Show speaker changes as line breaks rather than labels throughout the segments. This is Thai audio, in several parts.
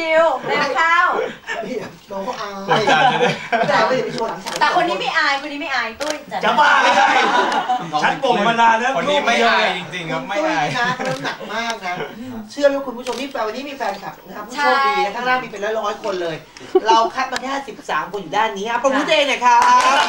ชิวๆแล้วข้าว
น้องก็อายแต่ไม่ได้ไปโชว์หลังฉาก
แต่คนนี้ไม่อายคนนี้ไม่อายตุ้ย
จะบ้าไม่ใช่ฉันบ่นมานานแล้ว
คนนี้ไม่อายจริงๆครับไม่อาย
นะน้ำหนักมากนะเชื่อไหมคุณผู้ชมนี่วันนี้มีแฟนคลับนะครับผู้โชคดีนะข้างล่างมีเป็นร้อยๆคนเลยเราคัดมาแค่13คนอยู่ด้านนี้ครับประมุขเองนะครับ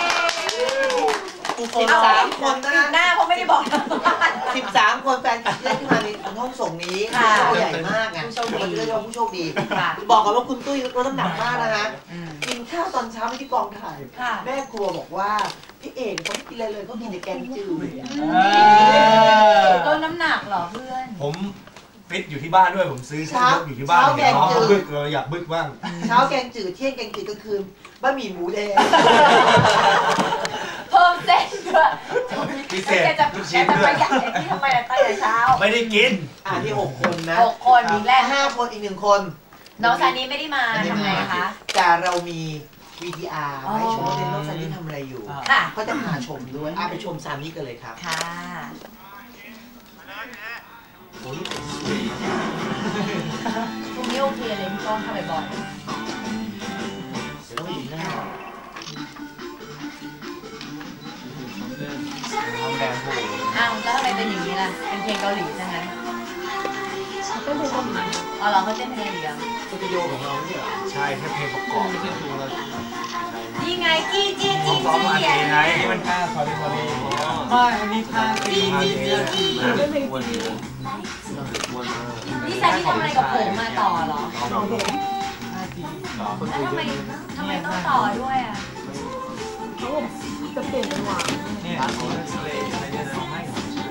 13 คนนะ
หน้าเพราะไม่ได้บอก
13 คนแฟนคลับที่ได้ขึ้นมาในห้องส่งนี้ผู้ใหญ่มากไงมันเรียกว่าผู้โชคดีบอกกันว่าคุณตุ้ยลดน้ำหนักมากนะฮะกินข้าวตอนเช้าที่กองถ่ายแม่ครัวบอกว่าพี่เอกเขาไม่กินอะไรเลยเขากินแต่แกงจืด
ลดน้ำหนักเหรอเพื่อน
ผมฟิตอยู่ที่บ้านด้วยผมซื้อเช้าอยู่ที่บ้านเช้าบึกเราอยากบึกบ้าง
เช้าแกงจืดเที่ยงแกงจืดกลางคืนบะหมี่หมูแดง
เพิ่มเส้นด้วย
พิเศษ
ลูกชิ้นด้วยที่ทำไมตั้งแต่เช้า
ไม่ได้กิน
ที่6 คนนะ
6 คนมีแรก
5 คนอีก1 คน
น้องซานีไม่ได้มาทำไงคะ
แต่เรามี VTR ให้ชมว่าน้องซานีทำอะไรอยู่ก็จะพาชมด้วยไปชมซานีกันเลยครับ
ค่ะช่วงนี้โอเคเลยพี่ก้องทำบ่อย
ต้องอยู่หน้า
อ้าวแล้วทำไมเป็นอย่างนี้ล่ะเป็นเพลงเกาหลีใช่ไหมเต้นเพลงเกาหลีอ๋อเหรอเขาเต้นเพลงเกาหลีอ่ะ
สตูดิโอของเราเนี่ย
ใช่แค่เพลงประกอบ
นี่ไงจี้
ไงนี่มันท่าคอรีไม่อันนี้ท่าจี้
นี่แซนที่ทำอะไรกับผมมาต่อเหรอแล้วทำไมต้องต่อด้วยอ่ะ
เขาจะเปลี่ยนจังหวะ
เนี่ยอะไรเนี่ยนะไม่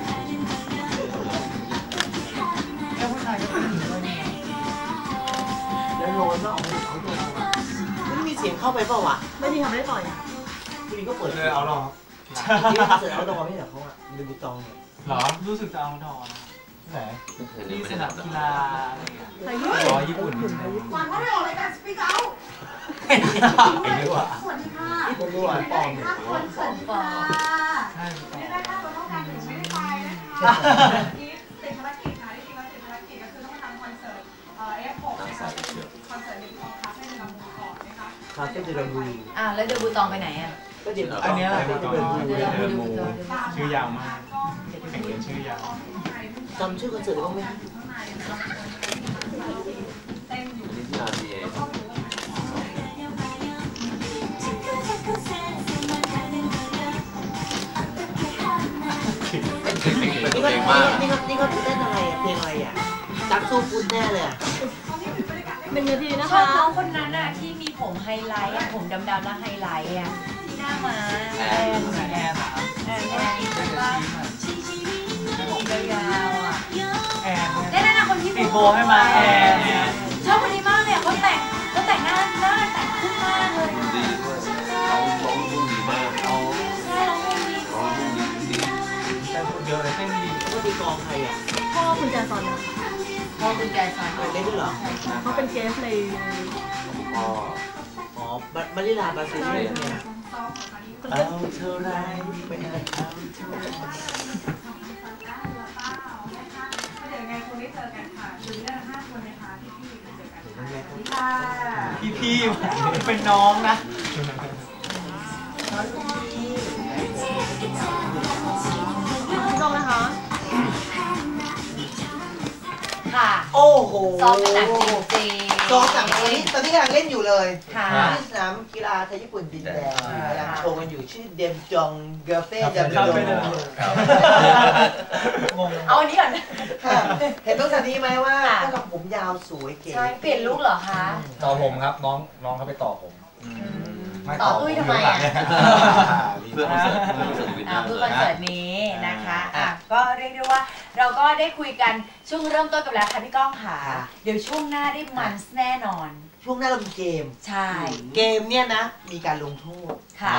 แล้วผู้ชายก็เป็นอย่างนี้เลย
แล้วโรนว่าออกมาเขาโดนไม่มีเสียงเข้าไปเปล่าวะ
ไม่ดีทำได้ต่อย
ทีนี้ก็เปิด
เลยเอาหรอ
ที่เสร็จเอาดอไม่เหรอเขาอ่ะดูบุตองเนี่ย
หรอรู้สึกจะเอาดอไหนที่สนามกีฬาอะไรเงี้ยญี่ปุ่น
หวานเขาไม่ออกเลยการสปีกเอา
ไอ้นี่ว่ะ
สวัสดีค่ะ
คนรู้ว่าปอมเนี่ย
คนสวัสดีค่ะนี่ได้ค่าตัวเท่ากันถึงไม่ได้ไปนะคะนี่ติดภารกิจค่ะที่จริงแล้วติดภารกิจก็คือต้องมาทำคอนเสิร์ตF6 นะคะคอนเสิร์ตในกองคาเฟ่ในลำพูนก่อนนะคะ
คาเฟ่ในลำพูน
แล้วเดบูตองไปไหนอ่ะ
ก็เดี๋ยว
อันนี้แหละชื่อยาวมากเป็นชื่อยาว
จำชื่อคอนเสิร์ตได้บ้างไหมนี่ก็เต้นอะไรเพลงอะไรอ่ะจักสู้ฟุตแน่เลยอ่ะ
เป็นนาทีนะคะ
ชอบน้องคนนั้นอ่ะที่มีผมไฮไลท์อ่ะผมดำๆแล้วไฮไลท์อ่ะที่หน้าม้าแอนผมยาวๆอ่ะนั่นคนที่
ติดโบให้มาแอน
ชอบคนนี้มากเลยเขาแต่งหน้าแต่งขึ้นมากเลย
ดีด้วยร้องดีมาก
ใช่ร้องดี
แต่พูดเยอะเลยเต้นดี
ก็ตีกองใครอ่ะ
พ่อคุณแจซอน
พ่อคุณแจซอน
เล่นด้วยเหรอ
เขาเป็นเกสใน
มาริลาบาซิลีเนี่ยเอาเท่าไรเป็นอะไรเอาเท่าไร
เดี๋ยวไงคนได้เจอกันค่ะคือเรื่อง5 คนนะคะพี่ๆเจอกัน
พี่เป็นน้องนะ
น้องนะคะ
ค่ะ
โอ้โห
ซ้อมกันหนักจริง
ซ้อมหนักตอนนี้กำลังเล่นอยู่เลย
ที่
สนามกีฬาไทยญี่ปุ่นดินแดงกำลังโชว์กันอยู่ชื่อเดมจองเกเฟ่เดมจอง
เอาอันนี้ก่อน
เห็นต้องสันนี้ไหมว่าถ้ากับผมยาวสวยเก๋
ใช่เปลี่ยนลุคเหรอคะ
ต่อผมครับน้องเขาไปต่อผม
ต่อตุ้ยทำไมอ่ะ
เพื่อคอนเสิร์ต
นี้นะคะก็เรียกได้ว่าเราก็ได้คุยกันช่วงเริ่มต้นกันแล้วค่ะพี่ก้องค่ะเดี๋ยวช่วงหน้าได้มันแน่นอน
ช่วงหน้าเรามีเกม
ใช่
เกมเนี่ยนะมีการลงโทษ
ค่ะ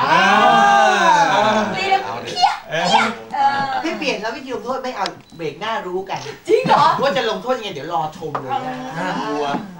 พี่เปลี่ยนแล้ววิธีลงโทษไม่เอาเบรกหน้ารู้กัน
จริงเหรอ
ว่าจะลงโทษยังไงเดี๋ยวรอชมเลยนะ
เ